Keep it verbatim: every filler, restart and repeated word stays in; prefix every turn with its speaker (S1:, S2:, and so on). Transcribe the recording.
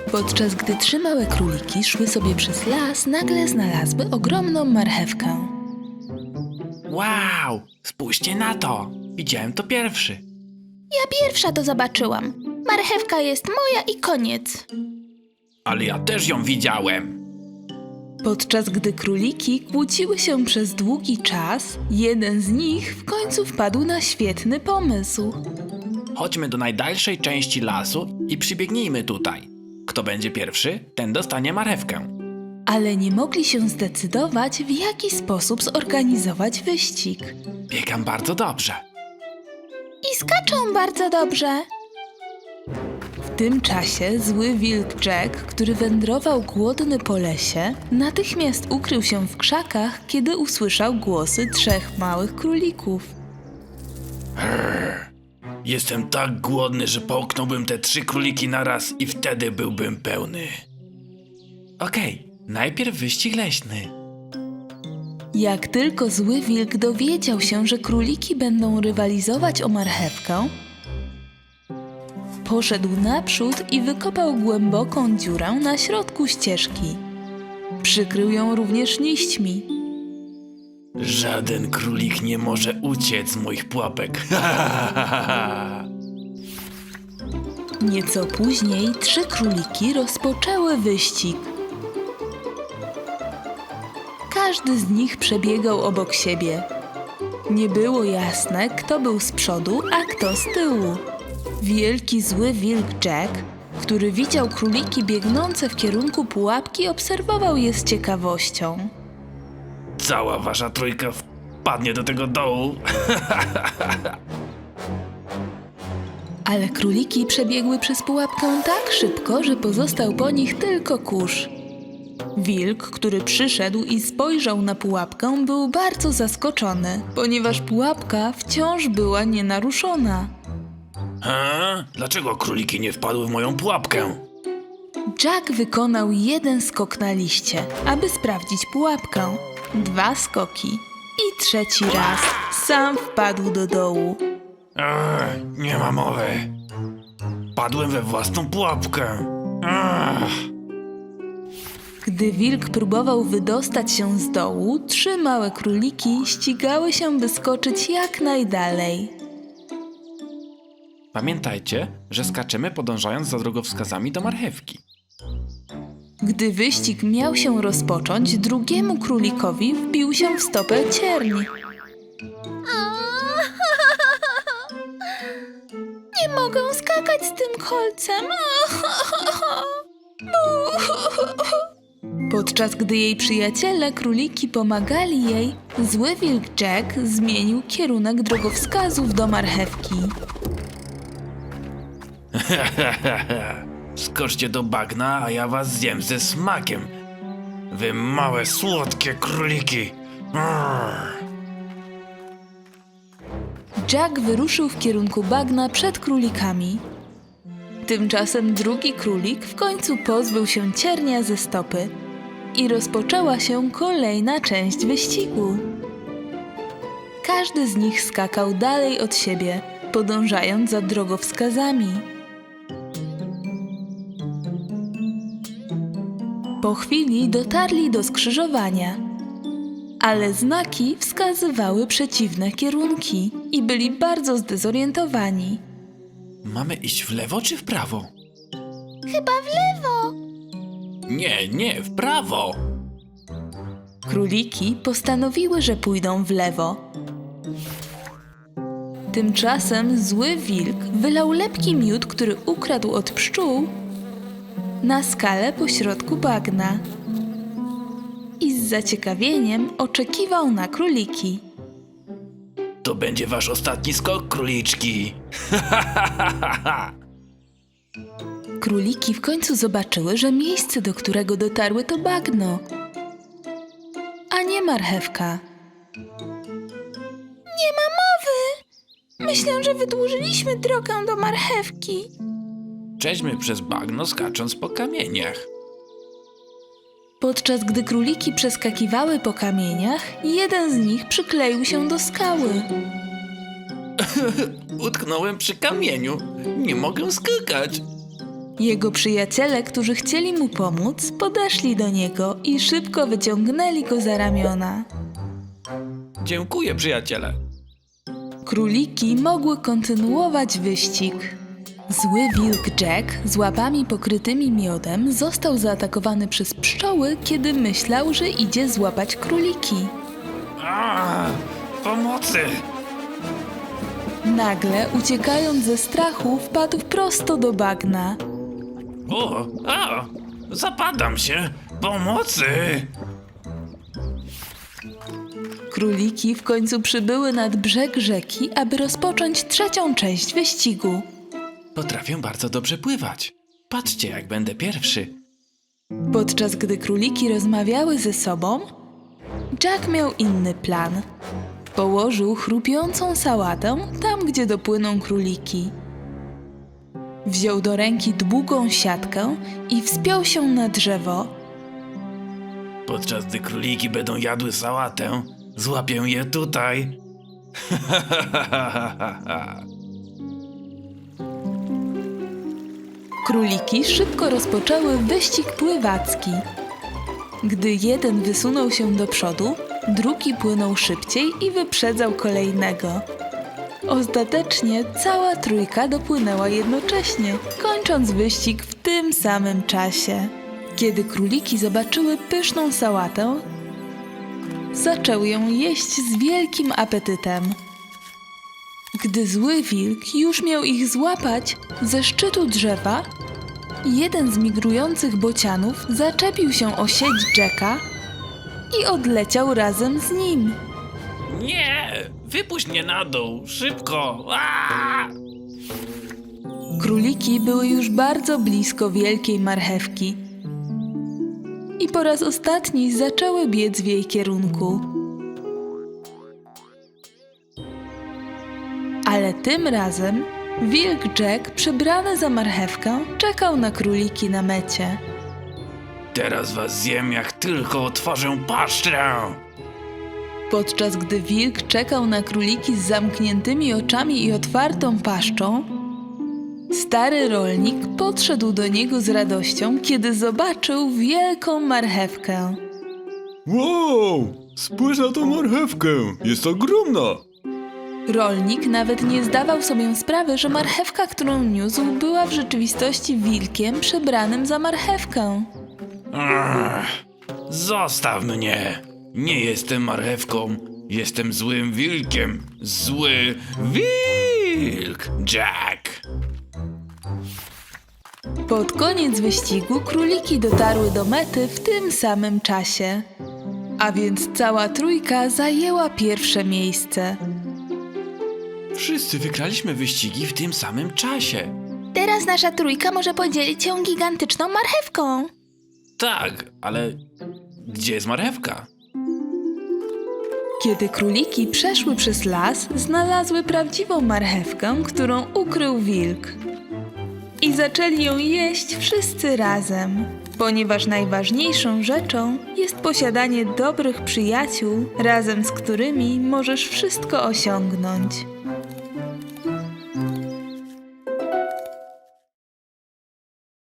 S1: Podczas gdy trzy małe króliki szły sobie przez las, nagle znalazły ogromną marchewkę.
S2: Wow! Spójrzcie na to! Widziałem to pierwszy.
S3: Ja pierwsza to zobaczyłam. Marchewka jest moja i koniec.
S2: Ale ja też ją widziałem.
S1: Podczas gdy króliki kłóciły się przez długi czas, jeden z nich w końcu wpadł na świetny pomysł.
S2: Chodźmy do najdalszej części lasu i przybiegnijmy tutaj. Kto będzie pierwszy, ten dostanie marchewkę.
S1: Ale nie mogli się zdecydować, w jaki sposób zorganizować wyścig.
S2: Biegam bardzo dobrze.
S3: I skaczą bardzo dobrze.
S1: W tym czasie zły wilk Jack, który wędrował głodny po lesie, natychmiast ukrył się w krzakach, kiedy usłyszał głosy trzech małych królików.
S2: Jestem tak głodny, że połknąłbym te trzy króliki naraz i wtedy byłbym pełny. Okej, najpierw wyścig leśny.
S1: Jak tylko zły wilk dowiedział się, że króliki będą rywalizować o marchewkę, poszedł naprzód i wykopał głęboką dziurę na środku ścieżki. Przykrył ją również liśćmi.
S2: Żaden królik nie może uciec z moich pułapek.
S1: Nieco później trzy króliki rozpoczęły wyścig. Każdy z nich przebiegał obok siebie. Nie było jasne, kto był z przodu, a kto z tyłu. Wielki zły wilk Jack, który widział króliki biegnące w kierunku pułapki, obserwował je z ciekawością.
S2: Cała wasza trójka wpadnie do tego dołu.
S1: Ale króliki przebiegły przez pułapkę tak szybko, że pozostał po nich tylko kurz. Wilk, który przyszedł i spojrzał na pułapkę, był bardzo zaskoczony, ponieważ pułapka wciąż była nienaruszona.
S2: Ha? Dlaczego króliki nie wpadły w moją pułapkę?
S1: Jack wykonał jeden skok na liście, aby sprawdzić pułapkę. Dwa skoki i trzeci raz sam wpadł do dołu.
S2: Ech, nie ma mowy. Padłem we własną pułapkę. Ech.
S1: Gdy wilk próbował wydostać się z dołu, trzy małe króliki ścigały się, by skoczyć jak najdalej.
S2: Pamiętajcie, że skaczemy podążając za drogowskazami do marchewki.
S1: Gdy wyścig miał się rozpocząć, drugiemu królikowi wbił się w stopę cierń.
S3: Nie mogę skakać z tym kolcem.
S1: Podczas gdy jej przyjaciele króliki pomagali jej, zły wilk Jack zmienił kierunek drogowskazów do marchewki.
S2: Skoczcie do bagna, a ja was zjem ze smakiem. Wy małe, słodkie króliki. Arr.
S1: Jack wyruszył w kierunku bagna przed królikami. Tymczasem drugi królik w końcu pozbył się ciernia ze stopy i rozpoczęła się kolejna część wyścigu. Każdy z nich skakał dalej od siebie, podążając za drogowskazami. Po chwili dotarli do skrzyżowania, ale znaki wskazywały przeciwne kierunki i byli bardzo zdezorientowani.
S2: Mamy iść w lewo czy w prawo?
S3: Chyba w lewo.
S2: Nie, nie, w prawo.
S1: Króliki postanowiły, że pójdą w lewo. Tymczasem zły wilk wylał lepki miód, który ukradł od pszczół, na skalę pośrodku bagna i z zaciekawieniem oczekiwał na króliki.
S2: To będzie wasz ostatni skok, króliczki.
S1: Króliki w końcu zobaczyły, że miejsce, do którego dotarły, to bagno, a nie marchewka.
S3: Nie ma mowy. Myślę, że wydłużyliśmy drogę do marchewki.
S2: Przejdźmy przez bagno, skacząc po kamieniach.
S1: Podczas gdy króliki przeskakiwały po kamieniach, jeden z nich przykleił się do skały.
S2: Utknąłem przy kamieniu. Nie mogę skakać.
S1: Jego przyjaciele, którzy chcieli mu pomóc, podeszli do niego i szybko wyciągnęli go za ramiona.
S2: Dziękuję, przyjaciele.
S1: Króliki mogły kontynuować wyścig. Zły wilk Jack z łapami pokrytymi miodem został zaatakowany przez pszczoły, kiedy myślał, że idzie złapać króliki.
S2: A, pomocy!
S1: Nagle, uciekając ze strachu, wpadł prosto do bagna.
S2: O, a, zapadam się! Pomocy!
S1: Króliki w końcu przybyły nad brzeg rzeki, aby rozpocząć trzecią część wyścigu.
S2: Potrafię bardzo dobrze pływać. Patrzcie, jak będę pierwszy.
S1: Podczas gdy króliki rozmawiały ze sobą, Jack miał inny plan. Położył chrupiącą sałatę tam, gdzie dopłyną króliki. Wziął do ręki długą siatkę i wspiął się na drzewo.
S2: Podczas gdy króliki będą jadły sałatę, złapię je tutaj.
S1: Króliki szybko rozpoczęły wyścig pływacki. Gdy jeden wysunął się do przodu, drugi płynął szybciej i wyprzedzał kolejnego. Ostatecznie cała trójka dopłynęła jednocześnie, kończąc wyścig w tym samym czasie. Kiedy króliki zobaczyły pyszną sałatę, zaczęły ją jeść z wielkim apetytem. Gdy zły wilk już miał ich złapać, ze szczytu drzewa jeden z migrujących bocianów zaczepił się o sieć Jacka i odleciał razem z nim.
S2: Nie! Wypuść mnie na dół! Szybko! Aaaa!
S1: Króliki były już bardzo blisko wielkiej marchewki i po raz ostatni zaczęły biec w jej kierunku. Ale tym razem wilk Jack, przebrany za marchewkę, czekał na króliki na mecie.
S2: Teraz was zjem, jak tylko otworzę paszczę!
S1: Podczas gdy wilk czekał na króliki z zamkniętymi oczami i otwartą paszczą, stary rolnik podszedł do niego z radością, kiedy zobaczył wielką marchewkę.
S4: Wow! Spójrz na tą marchewkę! Jest ogromna!
S1: Rolnik nawet nie zdawał sobie sprawy, że marchewka, którą niósł, była w rzeczywistości wilkiem przebranym za marchewkę.
S2: Ach, zostaw mnie! Nie jestem marchewką, jestem złym wilkiem. Zły wilk Jack!
S1: Pod koniec wyścigu króliki dotarły do mety w tym samym czasie. A więc cała trójka zajęła pierwsze miejsce.
S2: Wszyscy wygraliśmy wyścigi w tym samym czasie.
S3: Teraz nasza trójka może podzielić się gigantyczną marchewką.
S2: Tak, ale gdzie jest marchewka?
S1: Kiedy króliki przeszły przez las, znalazły prawdziwą marchewkę, którą ukrył wilk. I zaczęli ją jeść wszyscy razem, ponieważ najważniejszą rzeczą jest posiadanie dobrych przyjaciół, razem z którymi możesz wszystko osiągnąć.